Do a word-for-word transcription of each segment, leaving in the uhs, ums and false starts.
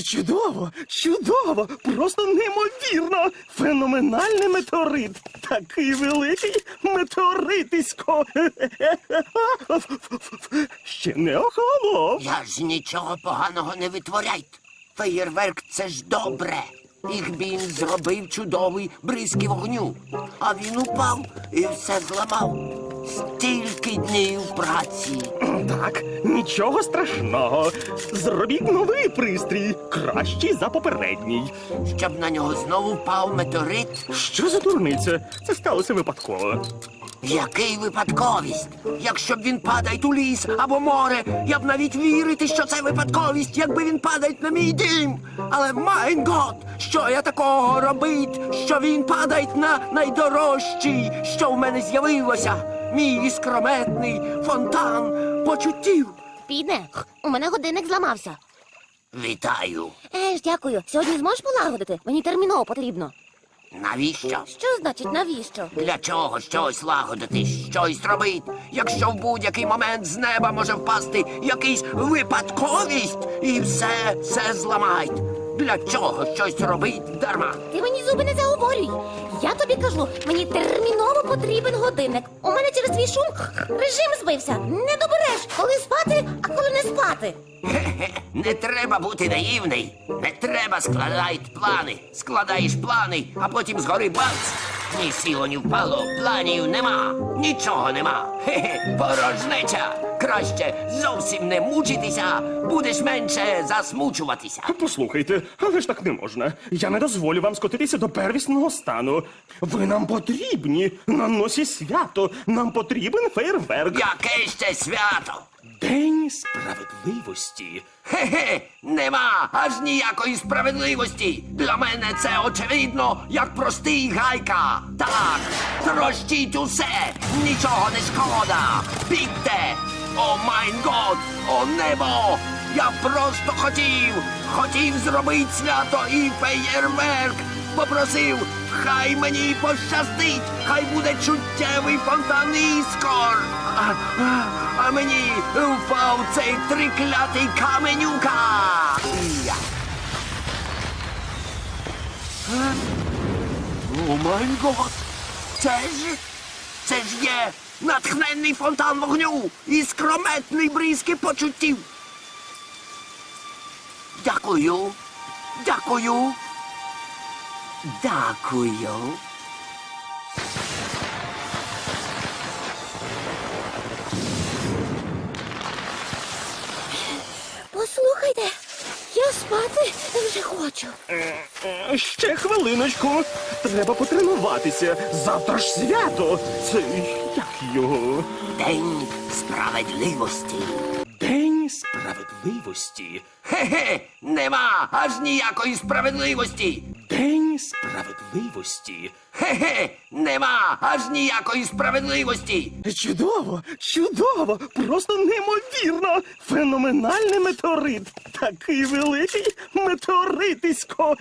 Чудово, чудово, просто неймовірно. Феноменальний метеорит. Такий великий метеоритисько. Ще не охолонув. Я ж нічого поганого не витворяйте. Феєрверк – це ж добре. Ігбін зробив чудовий бризки вогню. А він упав і все зламав. Стільки днів праці. Так, нічого страшного. Зробіть новий пристрій, кращий за попередній. Щоб на нього знову впав метеорит. Що за дурниця? Це сталося випадково. Який випадковість? Якщо б він падає у ліс або море, я б навіть вірити, що це випадковість, якби він падає на мій дім. Але, майн гот, що я такого робить, що він падає на найдорожчий, що в мене з'явилося? Мій іскрометний фонтан почуттів. Піде, у мене годинник зламався. Вітаю. Еж, дякую. Сьогодні зможеш полагодити? Мені терміново потрібно. Навіщо? Що значить навіщо? Для чого щось лагодити, щось робити, якщо в будь-який момент з неба може впасти якийсь випадковість і все, все зламають? Для чого щось робить дарма? Ти мені зуби не заговорюй. Я тобі кажу, мені терміново потрібен годинник. У мене через твій шум режим збився. Не добереш, коли спати, а коли не спати. Хе-хе, не треба бути наївний. Не треба складати плани. Складаєш плани, а потім згори бац. Ні сіло, ні впало, планів нема. Нічого нема. Хе-хе, порожнеча. Краще зовсім не мучитися, будеш менше засмучуватися. Послухайте, але ж так не можна. Я не дозволю вам скотитися до первісного стану. Ви нам потрібні. На носі свято. Нам потрібен фейерверк. Яке ще свято? День справедливості. Хе-хе, нема аж ніякої справедливості. Для мене це очевидно, як простий гайка. Так, трощіть усе, нічого не шкода. Бігте! О майн год, о небо! Я просто хотів, хотів зробити свято і феєрверк. Попросив, хай мені пощастить, хай буде чуттєвий фонтан іскор. А, а, а мені впав цей триклятий каменюка. Я. Е? О май гот! Це ж, це ж є натхненний фонтан вогню і скрометний бризки почуттів. Дякую, дякую. Дякую. Послухайте, я спати вже хочу. Е, Ще хвилиночку. Треба потренуватися. Завтра ж свято. Це як його? День справедливості. День справедливості. Хе-хе, нема аж ніякої справедливості. День справедливості. Хе-хе, нема аж ніякої справедливості. Чудово, чудово, просто неймовірно. Феноменальний метеорит. Такий великий метеоритисько.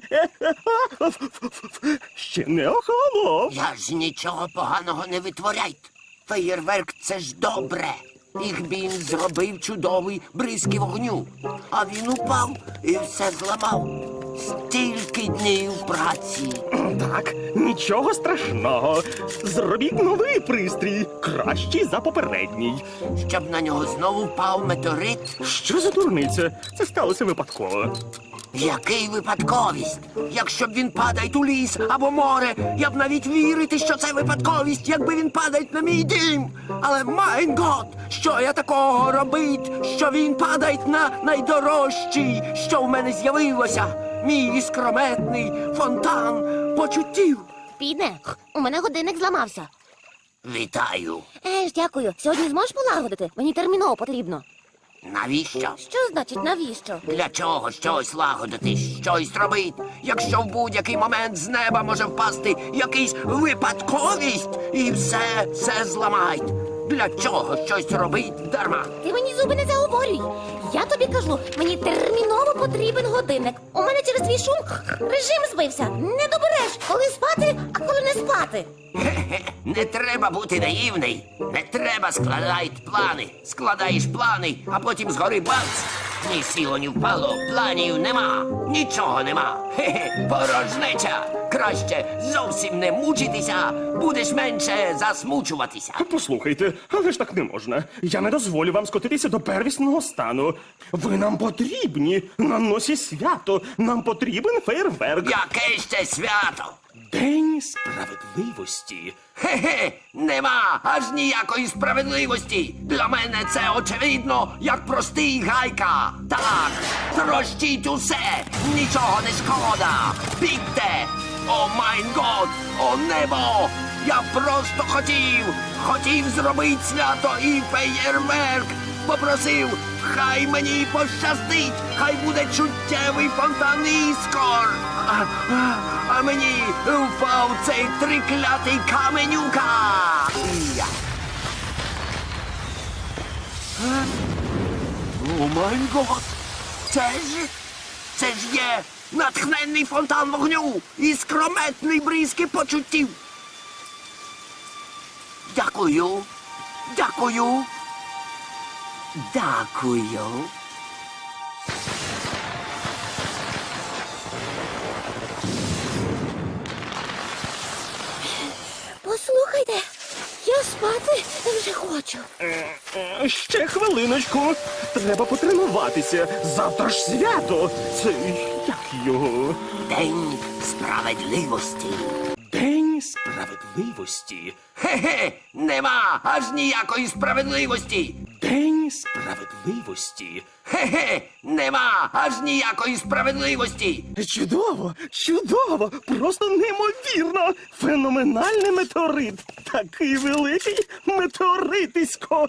Ще не охолонув. Я ж нічого поганого не витворяйте. Феєрверк – це ж добре. Ігбін зробив чудовий бризки вогню. А він упав і все зламав. Стільки днів праці. Так, нічого страшного. Зробіть новий пристрій, кращий за попередній. Щоб на нього знову впав метеорит. Що за дурниця? Це сталося випадково. Який випадковість? Якщо б він падає у ліс або море, я б навіть вірити, що це випадковість, якби він падає на мій дім. Але, майн гот, що я такого робить, що він падає на найдорожчий, що в мене з'явилося? Мій іскрометний фонтан почуттів. Піде, у мене годинник зламався. Вітаю. Еж, дякую. Сьогодні зможеш полагодити? Мені терміново потрібно. Навіщо? Що значить навіщо? Для чого щось лагодити, щось робити, якщо в будь-який момент з неба може впасти якийсь випадковість і все, все зламають? Для чого щось робить дарма? Ти мені зуби не заговорюй. Я тобі кажу, мені терміново потрібен годинник. У мене через твій шум режим збився. Не добереш, коли спати, а коли не спати. Хе-хе, не треба бути наївний. Не треба складати плани. Складаєш плани, а потім згори бац. Ні сіло, ні впало, планів нема, нічого нема. Хе-хе, порожнеча. Краще зовсім не мучитися, будеш менше засмучуватися. Послухайте, але ж так не можна. Я не дозволю вам скотитися до первісного стану. Ви нам потрібні на носі свято. Нам потрібен фейерверк. Яке ще свято? День справедливості. Хе-хе, нема аж ніякої справедливості. Для мене це очевидно, як простий гайка. Так, трощіть усе, нічого не шкода. Бігте! О майн год, о небо! Я просто хотів, хотів зробити свято і феєрверк. Попросив, хай мені пощастить, хай буде чуттєвий фонтан іскор. А, а, а мені впав цей триклятий каменюка. Я. Е? О май гот! Це ж, це ж є натхненний фонтан вогню і скрометний бризки почуттів. Дякую, дякую, дякую. Послухайте, я спати вже хочу. Е, Ще хвилиночку. Треба потренуватися. Завтра ж свято. Це як його? День справедливості. День справедливості. Хе-хе, нема аж ніякої справедливості. День справедливості. Хе-хе, нема аж ніякої справедливості. Чудово, чудово, просто неймовірно. Феноменальний метеорит. Такий великий метеоритисько.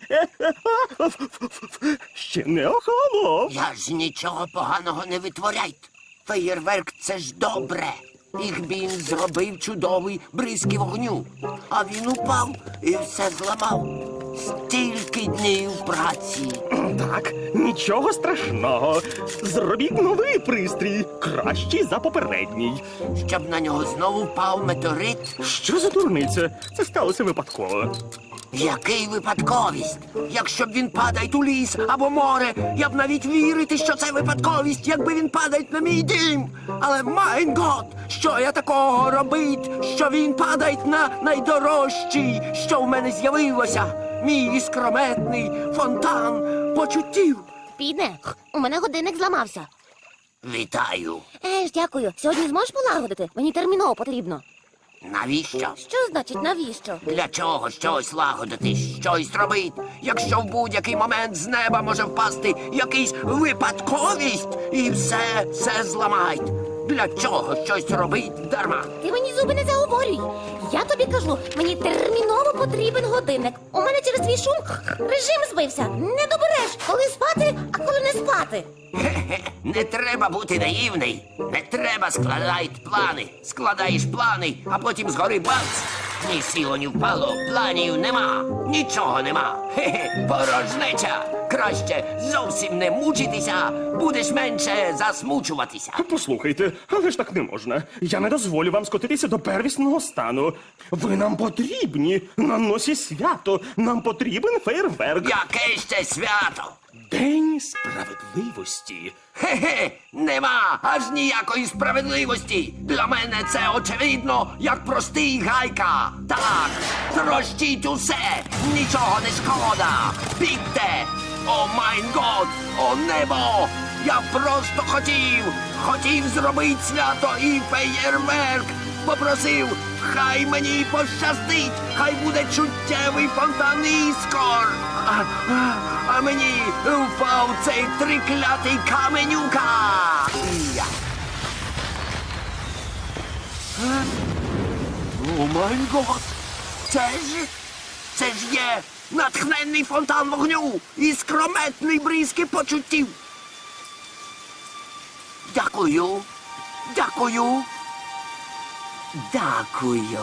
Ще не охолонув. Я ж нічого поганого не витворяйте. Феєрверк це ж добре. Їх він зробив чудовий бризки вогню. А він упав і все зламав. Стільки днів праці. Так, нічого страшного. Зробіть новий пристрій, кращий за попередній. Щоб на нього знову впав метеорит. Що за дурниця? Це сталося випадково. Який випадковість? Якщо б він падає у ліс або море, я б навіть вірити, що це випадковість, якби він падає на мій дім. Але майн гот, що я такого робить, що він падає на найдорожчий, що в мене з'явилося. Мій іскрометний фонтан почуттів. Піде, у мене годинник зламався. Вітаю. Еж, дякую. Сьогодні зможеш полагодити? Мені терміново потрібно. Навіщо? Що значить навіщо? Для чого щось лагодити, щось робити, якщо в будь-який момент з неба може впасти якийсь випадковість і все, все зламають. Для чого щось робить дарма? Ти мені зуби не заговорюй. Я тобі кажу, мені терміново потрібен годинник. У мене через твій шум режим збився. Не добереш, коли спати, а коли не спати. Хе-хе, не треба бути наївний. Не треба складати плани. Складаєш плани, а потім згори бац. Ні сіло, ні впало, планів нема, нічого нема. Хе-хе, порожнеча. Краще зовсім не мучитися, будеш менше засмучуватися. Послухайте, але ж так не можна. Я не дозволю вам скотитися до первісного стану. Ви нам потрібні на носі свято. Нам потрібен фейерверк. Яке ще свято? День справедливості. Хе-хе, нема аж ніякої справедливості. Для мене це очевидно, як простий гайка. Так, трощіть усе, нічого не шкода. Бігте! О майн год, о небо! Я просто хотів, хотів зробити свято і феєрверк. Попросив, хай мені пощастить, хай буде чуттєвий фонтан іскор. А, а, а мені впав цей триклятий каменюка. Я. Е? О май гот! Це ж, це ж є натхненний фонтан вогню і скрометний бризки почуттів. Дякую, дякую, дякую.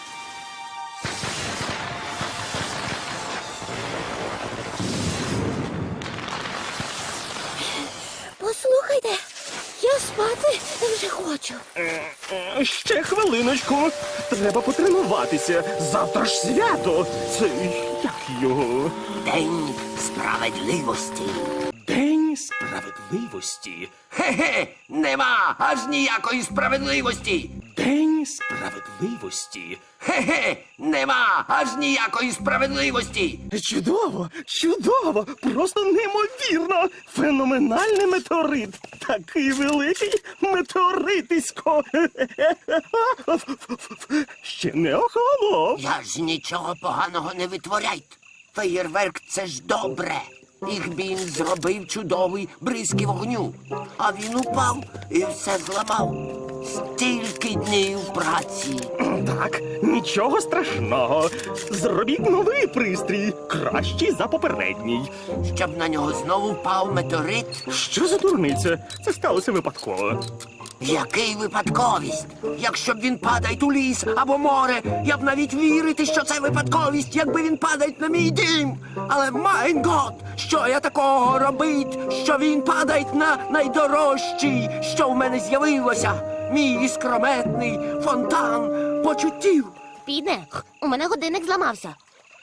Послухайте, я спати вже хочу. Е, е, Ще хвилиночку. Треба потренуватися. Завтра ж свято. Це як його? День справедливості. День День справедливості. Хе-хе, нема аж ніякої справедливості. День справедливості. Хе-хе, нема аж ніякої справедливості. Чудово, чудово, просто неймовірно. Феноменальний метеорит. Такий великий метеоритисько. Ще не охолонув. Я ж нічого поганого не витворяйте. Феєрверк — це ж добре. Їх він зробив чудовий бризки вогню. А він упав і все зламав. Стільки днів праці. Так, нічого страшного. Зробіть новий пристрій, кращий за попередній. Щоб на нього знову впав метеорит. Що за дурниця? Це сталося випадково. Який випадковість? Якщо б він падає у ліс або море, я б навіть вірити, що це випадковість, якби він падає на мій дім. Але, майн гот, що я такого робить, що він падає на найдорожчий, що в мене з'явилося? Мій іскрометний фонтан почуттів. Піде, у мене годинник зламався.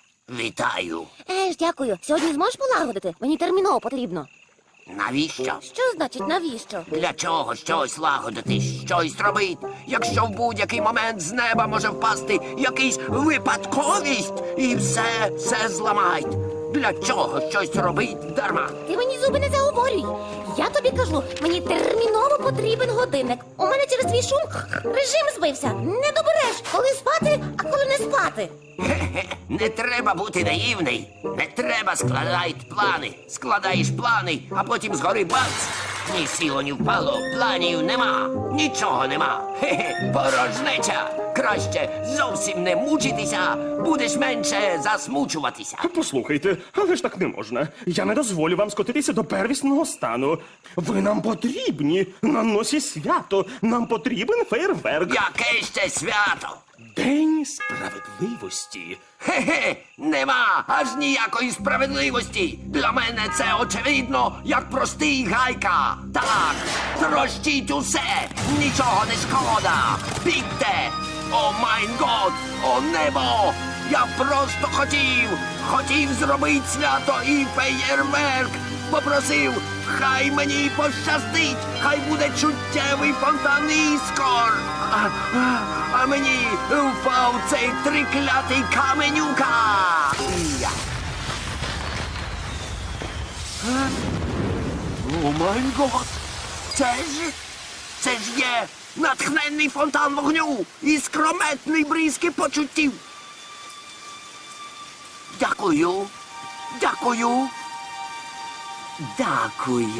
Вітаю. Еж, дякую. Сьогодні зможеш полагодити? Мені терміново потрібно. Навіщо? Що значить навіщо? Для чого щось лагодити, щось робити, якщо в будь-який момент з неба може впасти якийсь випадковість і все, все зламають. Для чого щось робить дарма? Ти мені зуби не заговорюй. Я тобі кажу, мені терміново потрібен годинник. У мене через твій шум режим збився. Не добереш, коли спати, а коли не спати. Хе-хе, не треба бути наївний. Не треба складати плани. Складаєш плани, а потім згори бац. Ні сіло, ні впало, планів нема. Нічого нема. Хе-хе, порожнеча. Краще зовсім не мучитися, будеш менше засмучуватися. Послухайте, але ж так не можна. Я не дозволю вам скотитися до первісного стану. Ви нам потрібні. На носі свято. Нам потрібен фейерверк. Яке ще свято? День справедливості. Хе-хе, нема аж ніякої справедливості. Для мене це очевидно, як простий гайка. Так, трощіть усе, нічого не шкода. Бігте! О майн год, о небо! Я просто хотів, хотів зробити свято і феєрверк. Попросив, хай мені пощастить, хай буде чуттєвий фонтан іскор. А, а, а мені впав цей триклятий каменюка. Я. Е? О май гот! Це ж, це ж є натхненний фонтан вогню і скрометний бризки почуттів. Дякую, дякую, дякую.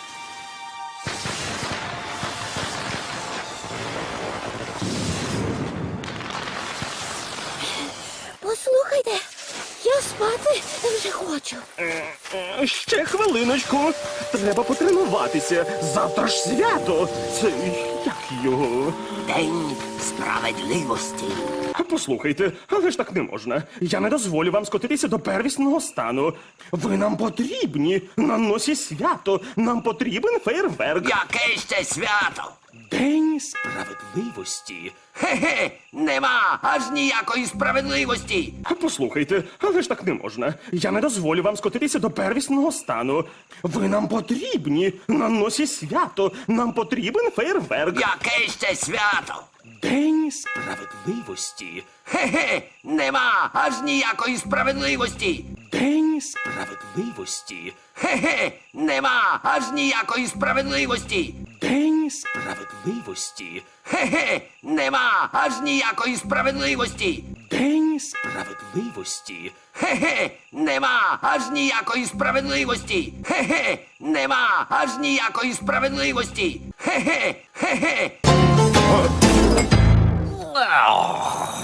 Послухайте, я спати вже хочу. Е, е, Ще хвилиночку. Треба потренуватися. Завтра ж свято. Це як його? День справедливості. Послухайте, але ж так не можна. Я не дозволю вам скотитися до первісного стану. Ви нам потрібні. На носі свято. Нам потрібен фейерверк. Яке ще свято? День справедливості. Хе-хе, нема аж ніякої справедливості. Послухайте, але ж так не можна. Я не дозволю вам скотитися до первісного стану. Ви нам потрібні. На носі свято. Нам потрібен фейерверк. Яке ще свято? День справедливості. Хе-хе, нема аж ніякої справедливості. День справедливості. Хе-хе, нема аж ніякої справедливості. День справедливості. Хе-хе, нема аж ніякої справедливості. День справедливості. Хе-хе, нема аж ніякої справедливості. Хе-хе, нема аж ніякої справедливості. Хе-хе, хе-хе.